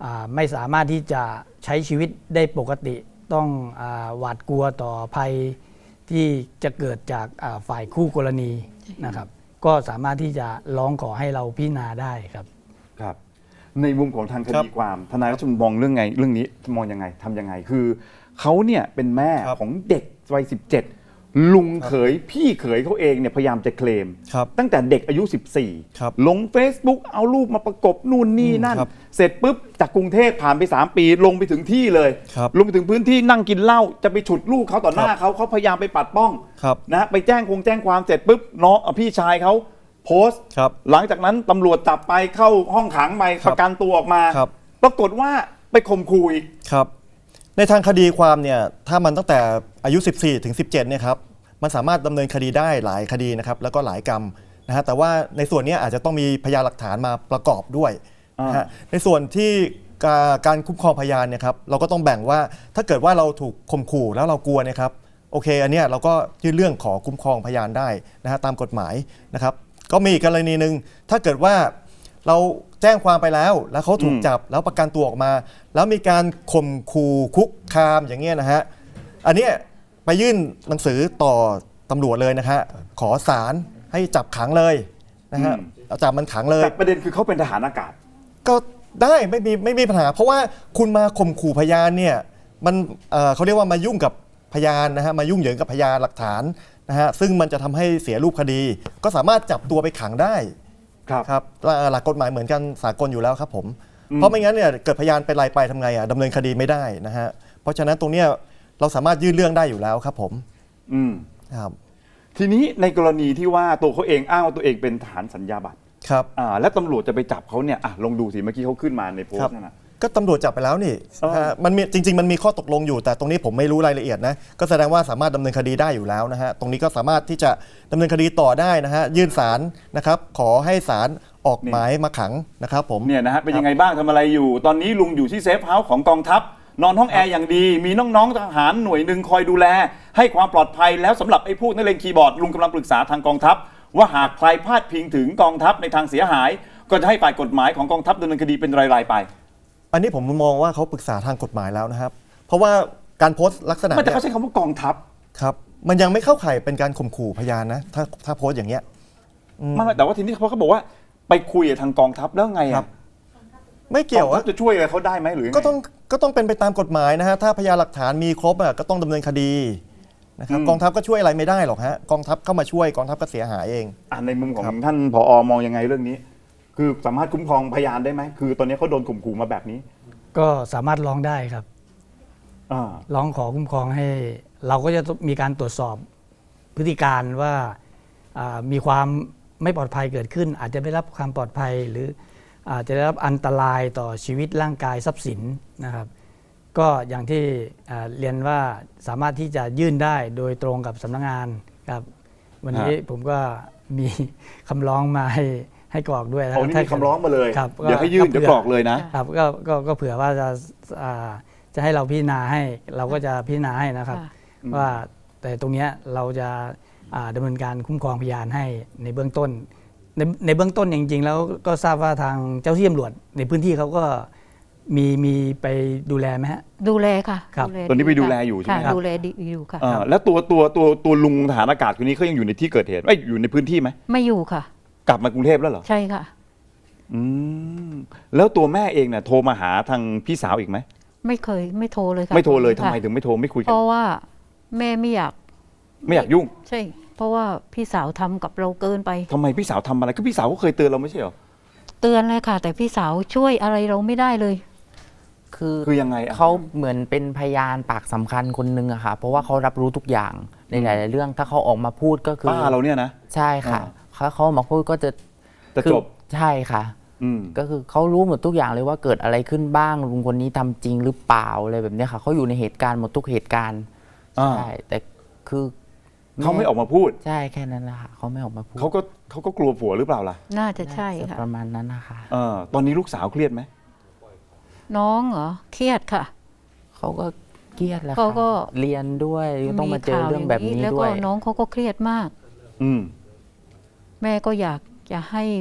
[SPEAKER 5] อ่าไม่สามารถที่จะใช้ชีวิตได้ปกติต้องอาหวาดกลัวต่อภัยที่จะเกิดจากอ่าฝ่ายคู่กรณีนะครับก็สามารถที่จะร้องขอให้เราพิจารณาได้ครับ
[SPEAKER 1] ครับในมุมของทางค
[SPEAKER 6] ครั
[SPEAKER 1] ดี
[SPEAKER 6] บ
[SPEAKER 1] ความทนายรัชมนมองเรื่องไงเรื่องนี้มองยังไงทำยังไงคือเขาเนี่ยเป็นแม่
[SPEAKER 6] ครับ
[SPEAKER 1] ของเด็กวัยสิบเจ็ดลุงเขยพี่เขยเขาเองเนี่ยพยายามจะเคลม
[SPEAKER 6] ครับ
[SPEAKER 1] ตั้งแต่เด็กอายุ สิบสี่
[SPEAKER 6] ครับ
[SPEAKER 1] ลง Facebook เอารูปมาประกบนู่นนี่นั่น
[SPEAKER 6] ครับ
[SPEAKER 1] เสร็จปุ๊บจากกรุงเทพผ่านไป สาม ปีลงไปถึงที่เลย
[SPEAKER 6] ครับ
[SPEAKER 1] ลงไปถึงพื้นที่นั่งกินเหล้าจะไปฉุดลูกเขาต่อหน้าเขาเขาพยายามไปปัดป้อง
[SPEAKER 6] ครับ
[SPEAKER 1] นะไปแจ้งคงแจ้งความเสร็จปุ๊บน้องเอาพี่ชายเขาโพสต์
[SPEAKER 6] ครับ
[SPEAKER 1] หลังจากนั้นตำรวจจับไปเข้าห้องขังไป
[SPEAKER 6] ครับ
[SPEAKER 1] ประกันตัวออกมา
[SPEAKER 6] ครับ
[SPEAKER 1] ปรากฏว่าไปข่มขู่อีก
[SPEAKER 6] ครับในทางคดีความเนี่ยถ้ามันตั้งแต่อายุ สิบสี่ ถึง สิบเจ็ดเนี่ยครับมันสามารถดำเนินคดีได้หลายคดีนะครับแล้วก็หลายกรรมนะฮะแต่ว่าในส่วนเนี้ยอาจจะต้องมีพยานหลักฐานมาประกอบด้วยนะฮะในส่วนที่การการคุ้มครองพยานเนี่ยครับเราก็ต้องแบ่งว่าถ้าเกิดว่าเราถูกข่มขู่แล้วเรากลัวเนะครับโอเคอันเนี้ยเราก็ยื่นเรื่องขอคุ้มครองพยานได้นะฮะตามกฎหมายนะครับก็มีอีกกรณีหนึ่งถ้าเกิดว่าเราแจ้งความไปแล้วแล้วเขาถูก
[SPEAKER 1] อืม
[SPEAKER 6] จับแล้วประกันตัวออกมา แล้วมีการข่มขู่คุกคามอย่างเงี้ยนะฮะอันเนี้ยไปยื่นหนังสือต่อตำรวจเลยนะฮะขอศาลให้จับขังเลยนะฮะเอาจับมันขังเลย
[SPEAKER 1] แต่ประเด็นคือเขาเป็นทหารอากาศ
[SPEAKER 6] ก็ได้ไม่มีไม่มีปัญหา เพราะว่าคุณมาข่มขู่พยานเนี่ยมันเอ่อเขาเรียกว่ามายุ่งกับพยานนะฮะมายุ่งเหยิงกับพยานหลักฐานนะฮะซึ่งมันจะทำให้เสียรูปคดี ก็สามารถจับตัวไปขังได้
[SPEAKER 1] ครับ
[SPEAKER 6] ครับหลักหลักกฎหมายเหมือนกันสากลอยู่แล้วครับผมเพราะไม่งั้นเนี่ยเกิดพยานเป็นลายไปทำไงอ่ะดำเนินคดีไม่ได้นะฮะเพราะฉะนั้นตรงเนี้ยเราสามารถยื่นเรื่องได้อยู่แล้วครับผม
[SPEAKER 1] อืม
[SPEAKER 6] ครับ
[SPEAKER 1] ทีนี้ในกรณีที่ว่าตัวเขาเองอ้างว่าตัวเองเป็นทหารสัญญาบัตร
[SPEAKER 6] ครับ
[SPEAKER 1] อ่าและตำรวจจะไปจับเขาเนี่ยอ่ะลองดูสิเมื่อกี้เขาขึ้นมาในโพส
[SPEAKER 6] ครับ
[SPEAKER 1] ต์นั่นนะ
[SPEAKER 6] ก็ตำรวจจับไปแล้วนี่
[SPEAKER 1] เออ
[SPEAKER 6] ฮะมันมีจริง ๆ มันมีข้อตกลงอยู่ แต่ตรงนี้ผมไม่รู้รายละเอียดนะก็แสดงว่าสามารถดำเนินคดีได้อยู่แล้วนะฮะตรงนี้ก็สามารถที่จะดำเนินคดีต่อได้นะฮะยื่นศาลนะครับขอให้ศาลออกหมายมาขังนะครับผม
[SPEAKER 1] เนี่ยนะฮะเป็นยังไงบ้างทำอะไรอยู่ ตอนนี้ลุงอยู่ที่เซฟเฮาส์ของกองทัพ นอนห้องแอร์อย่างดี มีน้องๆทหารหน่วยหนึ่งคอยดูแล ให้ความปลอดภัยแล้วสำหรับไอ้พวกนักเลงคีย์บอร์ดลุงกำลังปรึกษาทางกองทัพ ว่าหากใครพลาดพิงถึงกองทัพในทางเสียหาย ก็จะให้ฝ่ายกฎหมายของกองทัพดำเนินคดีเป็นรายๆไป
[SPEAKER 6] อันนี้ผมมองว่าเขาปรึกษาทางกฎหมายแล้วนะครับ เพราะว่าการโพสต์ลักษณะ
[SPEAKER 1] ไม่แต่
[SPEAKER 6] เนี้
[SPEAKER 1] เขาใช้คำว่ากองทัพ
[SPEAKER 6] ครับมันยังไม่เข้าข่ายเป็นการข่มขู่พยานนะถ้าถ้าโพสต์อย่างเงี้ยอืม
[SPEAKER 1] ไม่ไม่แต่ว่าทีนี้เขาเขาบอกว่าไปคุยกับทางกองทัพแล้วไง
[SPEAKER 6] ครั
[SPEAKER 1] อะ
[SPEAKER 6] บ ไม่เกี่ยว
[SPEAKER 1] กองทั
[SPEAKER 6] อะ
[SPEAKER 1] พจะช่วยอะไรเขาได้ไหมหรือยังไง
[SPEAKER 6] ก็ต้องก็ต้องเป็นไปตามกฎหมายนะฮะถ้าพยานหลักฐานมีครบอะก็ต้องดำเนินคดีนะครับ
[SPEAKER 1] อืม
[SPEAKER 6] กองทัพก็ช่วยอะไรไม่ได้หรอกฮะกองทัพเข้ามาช่วยกองทัพก็เสียหายเอง
[SPEAKER 1] อ่ะในมุมของ
[SPEAKER 6] ครับ
[SPEAKER 1] ท่านผอมองยังไงเรื่องนี้ คือสามารถคุ้มครองพยานได้ไหมคือตอนนี้เขาโดนข่มขู่มาแบบนี้
[SPEAKER 5] ก็สามารถร้องได้ครับ
[SPEAKER 1] อ่า
[SPEAKER 5] ร้องขอคุ้มครองให้ เราก็จะมีการตรวจสอบพฤติการว่าอ่ามีความไม่ปลอดภัยเกิดขึ้น อาจจะไม่ได้รับความปลอดภัย หรืออาจจะได้รับอันตรายต่อชีวิตร่างกายทรัพย์สินนะครับ ก็อย่างที่อ่าเรียนว่าสามารถที่จะยื่นได้โดยตรงกับสำนักงานครับวันนี้ผมก็มีคำร้องมาให้ให้กรอกด้วยนะ
[SPEAKER 1] โอ้นี่มีคำร้องมาเลย
[SPEAKER 5] ครับ
[SPEAKER 1] เดี๋ยวให้ยื่นเดี๋ยวกรอกเลยนะ
[SPEAKER 5] ครับก็ก็ก็เผื่อว่าจะอ่าจะให้เราพิจารณาให้เราก็จะพิจารณาให้นะครับ
[SPEAKER 2] ค่ะ
[SPEAKER 5] ว่าแต่ตรงเนี้ยเราจะอ่าดำเนินการคุ้มครองพยานให้ในเบื้องต้น ในในเบื้องต้นจริงๆแล้วก็ทราบว่าทางเจ้าที่ตำรวจในพื้นที่เขาก็มีมีไปดูแลไหมฮะ
[SPEAKER 2] ดูแลค่ะ
[SPEAKER 5] ครับ
[SPEAKER 2] ดูแล
[SPEAKER 1] ตอนนี้ไปดูแลอยู่ใช่ไหม
[SPEAKER 2] ค่ะ
[SPEAKER 1] ครับ
[SPEAKER 2] ดูแลดีอยู่ค่ะ
[SPEAKER 1] อ่าแล้วตัวตัวตัวตัวลุงทหารอากาศคนนี้เขายังอยู่ในที่เกิดเหตุไม่อยู่ในพื้นที่ไหม
[SPEAKER 2] ไม่อยู่ค่ะ
[SPEAKER 1] กลับมากรุงเทพแล้วเหรอ
[SPEAKER 2] ใช่ค่ะ
[SPEAKER 1] อืมแล้วตัวแม่เองเนี่ยโทรมาหาทางพี่สาวอีกไหม
[SPEAKER 2] ไม่เคยไม่โทรเลยค่ะ
[SPEAKER 1] ไม่โทรเลยทำ
[SPEAKER 2] ค่ะ
[SPEAKER 1] ไมถึงไม่โทรไม่คุยกั
[SPEAKER 2] เพ
[SPEAKER 1] น
[SPEAKER 2] ราะว่าแม่ไม่อยาก
[SPEAKER 1] ไม่อยากยุ่ง
[SPEAKER 2] ใช่ เพราะว่าพี่สาวทำกับเราเกินไป
[SPEAKER 1] ทำไมพี่สาวทำอะไรก็พี่สาวก็เคยเตือนเราไม่ใช่เหรอ
[SPEAKER 2] เตือนเลยค่ะ แต่พี่สาวช่วยอะไรเราไม่ได้เลย
[SPEAKER 3] คือ
[SPEAKER 1] คือยังไงอะ
[SPEAKER 3] เขาเหมือนเป็นพยานปากสำคัญคนหนึ่งอะค่ะเพราะว่าเขารับรู้ทุกอย่างในหลาย ๆ เรื่องถ้าเขาออกมาพูดก็คือ
[SPEAKER 1] ป้าเราเนี่ยนะ
[SPEAKER 3] ใช่ค่ะ
[SPEAKER 1] อ่า
[SPEAKER 3] เขาเขาออกมาพูดก็จะ
[SPEAKER 1] จะ
[SPEAKER 3] คือ
[SPEAKER 1] จบ
[SPEAKER 3] ใช่ค่ะ
[SPEAKER 1] อืม
[SPEAKER 3] ก็คือเขารู้หมดทุกอย่างเลยว่าเกิดอะไรขึ้นบ้างลุงคนนี้ทำจริงหรือเปล่าอะไรแบบเนี้ยค่ะเขาอยู่ในเหตุการณ์หมดทุกเหตุการณ์
[SPEAKER 1] อ่า
[SPEAKER 3] ใช่แต่คือ
[SPEAKER 1] เขาไม่ออกมาพูด
[SPEAKER 3] ใช่แค่นั้นแหละค่ะเขาไม่ออกมาพูด
[SPEAKER 1] เขาก็เขาก็กลัวผัวหรือเปล่าล่ะ
[SPEAKER 2] น่าจะใช่
[SPEAKER 3] จะ
[SPEAKER 2] ค่ะ
[SPEAKER 3] ประมาณนั้นนะคะ
[SPEAKER 1] เออตอนนี้ลูกสาวเครียดไหม
[SPEAKER 2] น้องเหรอเครียดค่ะ
[SPEAKER 3] เขาก็เครียดแหล้ว
[SPEAKER 2] เขาก็
[SPEAKER 3] เรียนด้วยต้องมาเจอ
[SPEAKER 2] ข่ว
[SPEAKER 3] เรื่องแบบนี้
[SPEAKER 2] แล้ว
[SPEAKER 3] ด้
[SPEAKER 2] ก็
[SPEAKER 3] วย
[SPEAKER 2] น้องเขาก็เครียดมาก
[SPEAKER 1] อืม
[SPEAKER 2] แม่ก็อยากจะให้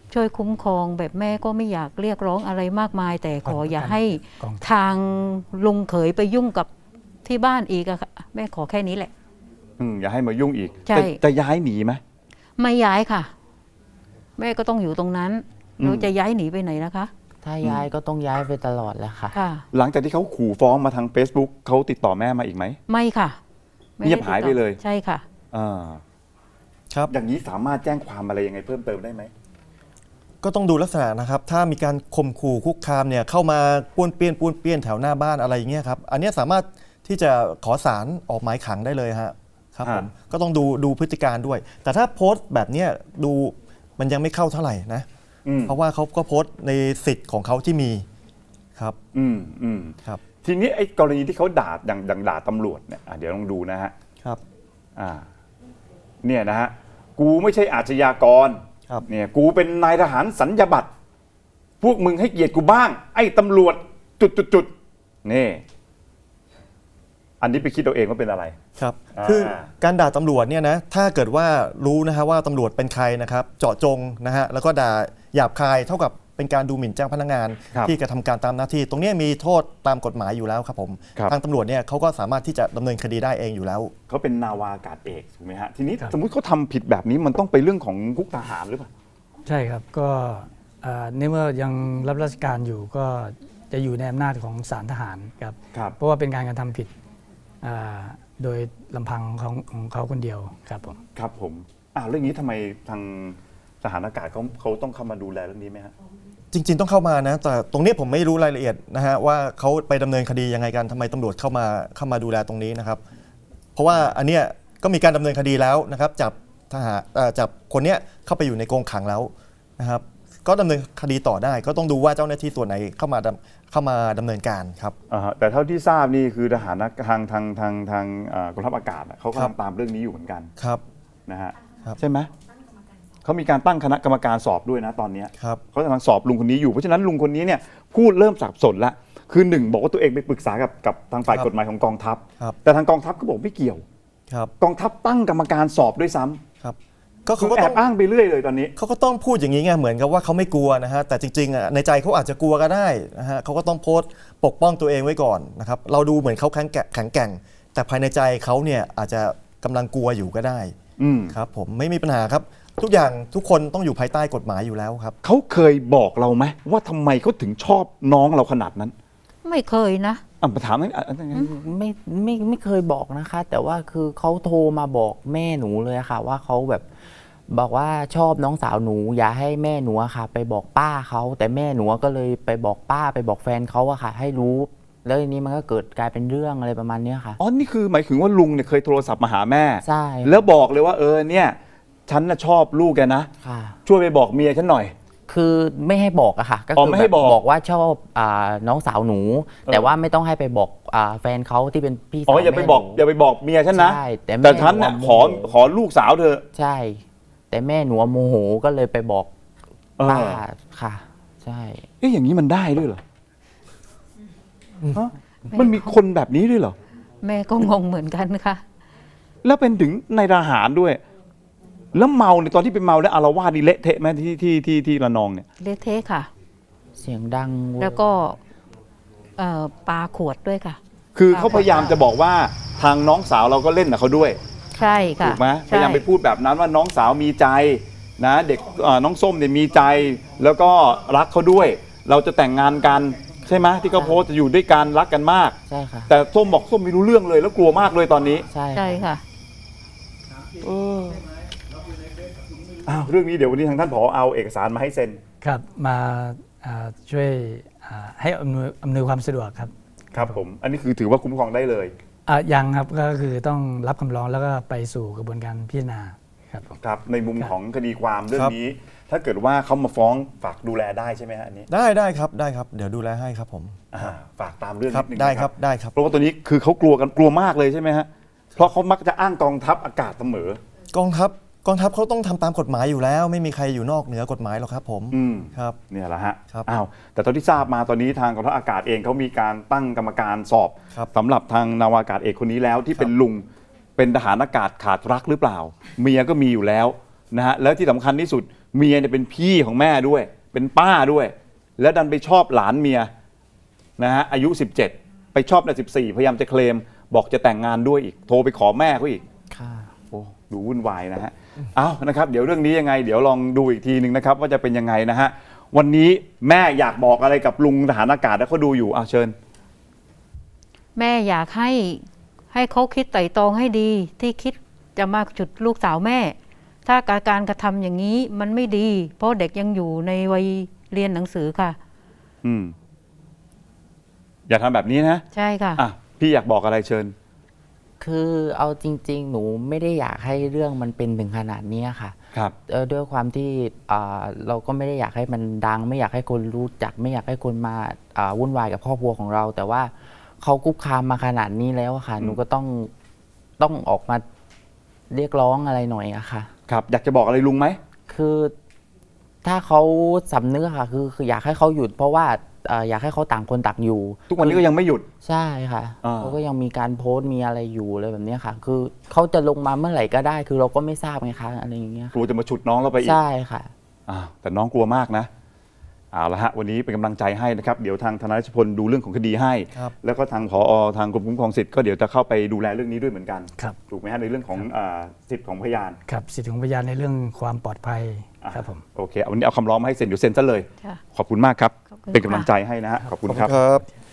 [SPEAKER 2] ช่วยคุ้มครองแบบแม่ก็ไม่อยากเรียกร้องอะไรมากมาย แต่ขออย่าให้
[SPEAKER 5] กอง
[SPEAKER 2] ทางลุงเขยไปยุ่งกับที่บ้านอีกอะค่ะแม่ขอแค่นี้แหละ
[SPEAKER 1] อืมอย่าให้มายุ่งอีก
[SPEAKER 2] ใช่
[SPEAKER 1] จะจะย้ายหนีไหม
[SPEAKER 2] ไม่ย้ายค่ะ แม่ก็ต้องอยู่ตรงนั้น
[SPEAKER 1] อืม
[SPEAKER 2] เราจะย้ายหนีไปไหนนะคะ
[SPEAKER 3] ถ้าย้ายก็ต้องย้ายไปตลอดแหละค่ะ
[SPEAKER 2] ค่ะ
[SPEAKER 1] หลังจากที่เขาขู่ฟ้องมาทาง Facebook เขาติดต่อแม่มาอีกไหม
[SPEAKER 2] ไม่ค่ะไม่ได้
[SPEAKER 1] เงียบหายไปเลย
[SPEAKER 2] ใช่ค่ะ
[SPEAKER 1] อ่า
[SPEAKER 6] ครับ
[SPEAKER 1] อย่างนี้สามารถแจ้งความอะไรยังไงเพิ่มเติมได้ไหม
[SPEAKER 6] ก็ต้องดูลักษณะนะครับ ถ้ามีการข่มขู่คุกคามเนี่ยเข้ามาป้วนเปี้ยนป้วนเปี้ยนแถวหน้าบ้านอะไรอย่างเงี้ยครับ อันเนี้ยสามารถที่จะขอสารออกหมายขังได้เลยฮะครับผม
[SPEAKER 1] ฮะ
[SPEAKER 6] ก็ต้องดูดูพฤติการด้วย แต่ถ้าโพสต์แบบเนี้ยดูมันยังไม่เข้าเท่าไหร่นะ
[SPEAKER 1] อืม
[SPEAKER 6] เพราะว่าเขาก็โพสต์ในสิทธิ์ของเขาที่มีครับ
[SPEAKER 1] อืมอืม
[SPEAKER 6] ครับ
[SPEAKER 1] ทีนี้ไอ้กรณีที่เขาด่าอย่างอย่างด่าตำรวจเนี่ยอ่ะเดี๋ยวลองดูนะฮะ
[SPEAKER 6] ครับ
[SPEAKER 1] อ่าเนี่ยนะฮะกูไม่ใช่อาชญากร
[SPEAKER 6] ครับ
[SPEAKER 1] เนี่ยกูเป็นนายทหารสัญญาบัตรพวกมึงให้เกียรติกูบ้าง ไอ้ตำรวจจุดจุดจุดนี่อันนี้ไปคิดเอาเองว่าเป็นอะไร
[SPEAKER 6] ครับ
[SPEAKER 1] อ่า
[SPEAKER 6] คือการด่าตำรวจเนี่ยนะถ้าเกิดว่ารู้นะฮะว่าตำรวจเป็นใครนะครับ เจาะจงนะฮะแล้วก็ด่าหยาบคายเท่ากับเป็นการดูหมิ่นเจ้าพนักงาน
[SPEAKER 1] ครับ
[SPEAKER 6] ที่กระทำการตามหน้าที่ ตรงเนี้ยมีโทษตามกฎหมายอยู่แล้วครับผม
[SPEAKER 1] ครับ
[SPEAKER 6] ทางตำรวจเนี่ยเขาก็สามารถที่จะดำเนินคดีได้เองอยู่แล้ว
[SPEAKER 1] เขาเป็นนาวาอากาศเอกถูกไหมฮะทีนี้
[SPEAKER 5] ครับ
[SPEAKER 1] สมมุติเขาทำผิดแบบนี้มันต้องไปเรื่องของคุกทหารหรือเปล่า
[SPEAKER 5] ใช่ครับก็เอ่อในเมื่อยังรับราชการอยู่ก็จะอยู่ในอำนาจของศาลทหารครับ
[SPEAKER 1] ครับ
[SPEAKER 5] เพราะว่าเป็นการกระทำผิดอ่าโดยลำพังของของเขาคนเดียวครับผม
[SPEAKER 1] ครับผมอ้าวเรื่องนี้ทำไมทางทหารอากาศเขาเขาต้องเข้ามาดูแลเรื่องนี้ไหมฮะ
[SPEAKER 6] จริง ๆ ต้องเข้ามานะแต่ตรงนี้ผมไม่รู้รายละเอียดนะฮะว่าเขาไปดำเนินคดียังไงกันทำไมตำรวจเข้ามาเข้ามาดูแลตรงนี้นะครับ เพราะว่าอันเนี้ยก็มีการดำเนินคดีแล้วนะครับจับทหารเอ่อจับคนเนี้ยเข้าไปอยู่ในกรงขังแล้วนะครับ ก็ดำเนินคดีต่อได้ ก็ต้องดูว่าเจ้าหน้าที่ส่วนไหนเข้ามาดำเข้ามาดำเนินการครับ
[SPEAKER 1] อ่าฮะแต่เท่าที่ทราบนี่คือทหารทางทางทางทางเอ่อกองทัพอากาศอะเขา
[SPEAKER 6] ครับ
[SPEAKER 1] กำลังตามเรื่องนี้อยู่เหมือนกัน
[SPEAKER 6] ครับ
[SPEAKER 1] นะฮะ
[SPEAKER 6] ครับ
[SPEAKER 1] ใช่ไหมเขามีการตั้งคณะกรรมการสอบด้วยนะตอนเนี้ย
[SPEAKER 6] ครับ
[SPEAKER 1] เขากำลังสอบลุงคนนี้อยู่เพราะฉะนั้นลุงคนนี้เนี่ยพูดเริ่มสับสนละคือหนึ่งบอกว่าตัวเองไปปรึกษากับกับทางฝ่าย
[SPEAKER 6] ครับ
[SPEAKER 1] กฎหมายของกองทัพ
[SPEAKER 6] ครับ
[SPEAKER 1] แต่ทางกองทัพก็บอกไม่เกี่ยว
[SPEAKER 6] ครับ
[SPEAKER 1] กองทัพตั้งกรรมการสอบด้วยซ้ำ
[SPEAKER 6] ครับก็
[SPEAKER 1] คื
[SPEAKER 6] เขา
[SPEAKER 1] อ
[SPEAKER 6] ก็
[SPEAKER 1] แอ
[SPEAKER 6] ต้อง
[SPEAKER 1] บอ้างไปเรื่อยเลยตอนนี้
[SPEAKER 6] เขาก็ต้องพูดอย่างนี้ไงเหมือนกับว่าเขาไม่กลัวนะฮะแต่จริงๆอ่ะในใจเขาอาจจะกลัวก็ได้นะฮะเขาก็ต้องโพสต์ปกป้องตัวเองไว้ก่อนนะครับเราดูเหมือนเขาแข็งแกร่งแข็งแกร่ง แต่ภายในใจเขาเนี่ยอาจจะกำลังกลัวอยู่ก็ได้
[SPEAKER 1] อืม
[SPEAKER 6] ครับผมไม่มีปัญหาครับ ทุกอย่างทุกคนต้องอยู่ภายใต้กฎหมายอยู่แล้วครับ
[SPEAKER 1] เขาเคยบอกเราไหมว่าทำไมเขาถึงชอบน้องเราขนาดนั้น
[SPEAKER 2] ไม่เคยนะ
[SPEAKER 1] อ่ะมาถามนั่นอ่ะอ่ะอ่ะ
[SPEAKER 3] ไม่ไม่ไม่เคยบอกนะคะ แต่ว่าคือเขาโทรมาบอกแม่หนูเลยค่ะ ว่าเขาแบบบอกว่าชอบน้องสาวหนู อย่าให้แม่หนูอะค่ะ ไปบอกป้าเขาแต่แม่หนูก็เลยไปบอกป้าไปบอกแฟนเขาอะค่ะ ให้รู้ แล้วทีนี้มันก็เกิดกลายเป็นเรื่องอะไรประมาณเนี้ยค่ะ
[SPEAKER 1] อ๋อนี่คือหมายถึงว่าลุงเนี่ยเคยโทรศัพท์มาหาแม่
[SPEAKER 3] ใช่
[SPEAKER 1] แล้วบอกเลยว่าเออเนี่ยฉันน่ะชอบลูกแกนะ
[SPEAKER 3] ค่ะ
[SPEAKER 1] ช่วยไปบอกเมียฉันหน่อย
[SPEAKER 3] คือไม่ให้บอกอะค่ะ ก็
[SPEAKER 1] อ๋อ
[SPEAKER 3] คือ
[SPEAKER 1] ไม่ให้
[SPEAKER 3] แบบ
[SPEAKER 1] บอก
[SPEAKER 3] บอกว่าชอบอ่าน้องสาวหนู
[SPEAKER 1] เออ
[SPEAKER 3] แต่ว่าไม่ต้องให้ไปบอกอ่าแฟนเขาที่เป็นพี่สาว
[SPEAKER 1] อ๋ออย่าไปบอก
[SPEAKER 3] แม่หนู
[SPEAKER 1] อย่าไปบอกเมียฉันนะ
[SPEAKER 3] ใช่แต่แม่
[SPEAKER 1] แต่ฉันน่ะ
[SPEAKER 3] หนู
[SPEAKER 1] ขอ
[SPEAKER 3] โมโห
[SPEAKER 1] ขอลูกสาวเธอ
[SPEAKER 3] ใช่ แต่แม่หนูโมโหก็เลยไปบอก
[SPEAKER 1] เออ
[SPEAKER 3] ป้าค่ะ ใช่
[SPEAKER 1] เอ๊ะอย่างนี้มันได้ด้วยเหรอฮะมันมีคนแบบนี้ด้วยเหรอ
[SPEAKER 2] แม่ก็งงเหมือนกันค่ะ
[SPEAKER 1] แล้วเป็นถึงในทหารด้วย แล้วเมาในยตอนที่เป็นเมาแล้วอาละวาดนี่เละเทะไหมที่ที่ที่ที่ระนองเนี่ย
[SPEAKER 2] เละเทะค่ะ
[SPEAKER 3] เสียงดังเย
[SPEAKER 2] แล้วก็เอ่อปาขวดด้วยค่ะ
[SPEAKER 1] คือเขาพยายามจะบอกว่าทางน้องสาวเราก็เล่นกับเขาด้วย
[SPEAKER 2] ใช่ค่ะ
[SPEAKER 1] ถูกไหมพ
[SPEAKER 2] ใช่
[SPEAKER 1] ยายามไปพูดแบบนั้นว่าน้องสาวมีใจนะเด็กเอ่อน้องส้มเนี่ยมีใจ แล้วก็รักเขาด้วย เราจะแต่งงานกันใช่ไหมที่เขาโพสต์จะอยู่ด้วยกันรักกันมาก
[SPEAKER 3] ใช่ค่ะ
[SPEAKER 1] แต่ส้มบอกส้มไม่รู้เรื่องเลยแล้วกลัวมากเลยตอนนี้
[SPEAKER 3] ใช่
[SPEAKER 2] ใช่ค่ะ
[SPEAKER 1] เอออ้าวเรื่องนี้เดี๋ยววันนี้ทางท่านผอเอาเอกสารมาให้เซ็น
[SPEAKER 5] ครับมาอ่าช่วยอ่าให้อำนวยอำนวยความสะดวกครับ
[SPEAKER 1] ครับผมอันนี้คือถือว่าคุ้มครองได้เลย
[SPEAKER 5] อ่ะยังครับก็คือต้องรับคำร้องแล้วก็ไปสู่กระบวนการพิจารณาครับผม
[SPEAKER 1] ครับในมุม
[SPEAKER 5] ครับ
[SPEAKER 1] ของคดีความเรื่อ
[SPEAKER 6] ครั
[SPEAKER 1] ง
[SPEAKER 6] บ
[SPEAKER 1] นี้ ถ้าเกิดว่าเขามาฟ้องฝากดูแลได้ใช่ไหมฮะอันนี้
[SPEAKER 6] ได้ได้ครับได้ครับเดี๋ยวดูแลให้ครับผม
[SPEAKER 1] อ่าฝากตามเรื่อง
[SPEAKER 6] ครั
[SPEAKER 1] นิ
[SPEAKER 6] บ
[SPEAKER 1] ดนึง
[SPEAKER 6] ได้
[SPEAKER 1] นะ
[SPEAKER 6] ครับได้ครับ
[SPEAKER 1] เพราะว่าตัวนี้คือเขากลัวกันกลัวมากเลยใช่ไหมฮะเพราะเขามักจะอ้างกองทัพอากาศเสมอ
[SPEAKER 6] กองทัพกองทัพเขาต้องทำตามกฎหมายอยู่แล้ว ไม่มีใครอยู่นอกเหนือกฎหมายหรอกครับผม
[SPEAKER 1] อืม
[SPEAKER 6] ครับ
[SPEAKER 1] เนี่ยแหละฮะ
[SPEAKER 6] ครับ
[SPEAKER 1] อ้าวแต่ตอนที่ทราบมาตอนนี้ทางกองทัพอากาศเองเขามีการตั้งกรรมการสอบ
[SPEAKER 6] ครับ
[SPEAKER 1] สำหรับทางนาวากาศเอกคนนี้แล้วที่เป็นลุงเป็นทหารอากาศขาดรักหรือเปล่า เมียก็มีอยู่แล้วนะฮะแล้วที่สำคัญที่สุดเมียเนี่ยเป็นพี่ของแม่ด้วย เป็นป้าด้วย แล้วดันไปชอบหลานเมียนะฮะอายุสิบเจ็ดไปชอบในสิบสี่พยายามจะเคลมบอกจะแต่งงานด้วยอีกโทรไปขอแม่เขาอีก
[SPEAKER 3] ค่ะ
[SPEAKER 1] โอ้ดูวุ่นวายนะฮะ เอานะครับเดี๋ยวเรื่องนี้ยังไงเดี๋ยวลองดูอีกทีหนึ่งนะครับว่าจะเป็นยังไงนะฮะวันนี้แม่อยากบอกอะไรกับลุงทหารอากาศแล้วเขาดูอยู่เอาเชิญ
[SPEAKER 2] แม่อยากให้ให้เขาคิดไตร่ตรองให้ดีที่คิดจะมาจุดลูกสาวแม่ ถ้าการการกระทำอย่างนี้มันไม่ดี เพราะเด็กยังอยู่ในวัยเรียนหนังสือค่ะ
[SPEAKER 1] อืมอย่าทำแบบนี้นะ
[SPEAKER 2] ใช่ค่ะ
[SPEAKER 1] อ่ะพี่อยากบอกอะไรเชิญ
[SPEAKER 3] คือเอาจริง ๆ หนูไม่ได้อยากให้เรื่องมันเป็นถึงขนาดนี้ค่ะ
[SPEAKER 1] ครับ
[SPEAKER 3] เอ่อด้วยความที่อ่าเราก็ไม่ได้อยากให้มันดัง ไม่อยากให้คนรู้จัก ไม่อยากให้คนมาอ่าวุ่นวายกับครอบครัวของเรา แต่ว่าเขาคุกคามมาขนาดนี้แล้วอะค่ะ หนูก็ต้องต้องออกมาเรียกร้องอะไรหน่อยอะค่ะ
[SPEAKER 1] ครับ อยากจะบอกอะไรลุงไหม
[SPEAKER 3] คือถ้าเขาสำนึกอะค่ะคือคืออยากให้เขาหยุด เพราะว่าเอ่ออยากให้เขาต่างคนต่างอยู่
[SPEAKER 1] ทุกวันนี้ก็ยังไม่หยุด
[SPEAKER 3] ใช่ค่ะ
[SPEAKER 1] อ่า
[SPEAKER 3] เขาก็ยังมีการโพสต์มีอะไรอยู่อะไรแบบเนี้ยค่ะ คือเขาจะลงมาเมื่อไหร่ก็ได้ คือเราก็ไม่ทราบไงคะอะไรอย่างเงี้ย
[SPEAKER 1] กลัวจะมาฉุดน้องเราไปอีก
[SPEAKER 3] ใช่ค่ะ
[SPEAKER 1] อ้าวแต่น้องกลัวมากนะเอาละฮะวันนี้เป็นกำลังใจให้นะครับเดี๋ยวทางทนายรัชพลดูเรื่องของคดีให้
[SPEAKER 6] ครับ
[SPEAKER 1] แล้วก็ทางผอทางกรมคุ้มครองสิทธิ์ก็เดี๋ยวจะเข้าไปดูแลเรื่องนี้ด้วยเหมือนกัน
[SPEAKER 5] ครับ
[SPEAKER 1] ถูกไหมฮะในเรื่องของอ่าสิทธิ์ของพยาน
[SPEAKER 5] ครับสิทธิของพยานในเรื่องความปลอดภัย
[SPEAKER 1] อ่ะ
[SPEAKER 5] ครับผม
[SPEAKER 1] โอเคเอาวันนี้เอาคำร้องมาให้เซ็นเดี๋ยวเซ็นซะเลย
[SPEAKER 2] ค่ะ
[SPEAKER 1] ขอบคุณมากครับ
[SPEAKER 2] ขอบคุณ
[SPEAKER 1] เป็นกำลัง
[SPEAKER 2] ค่ะ
[SPEAKER 1] ใจให้นะฮะขอบคุณ
[SPEAKER 6] ขอบ
[SPEAKER 1] ค
[SPEAKER 6] คุ
[SPEAKER 1] รับ
[SPEAKER 6] ณครับ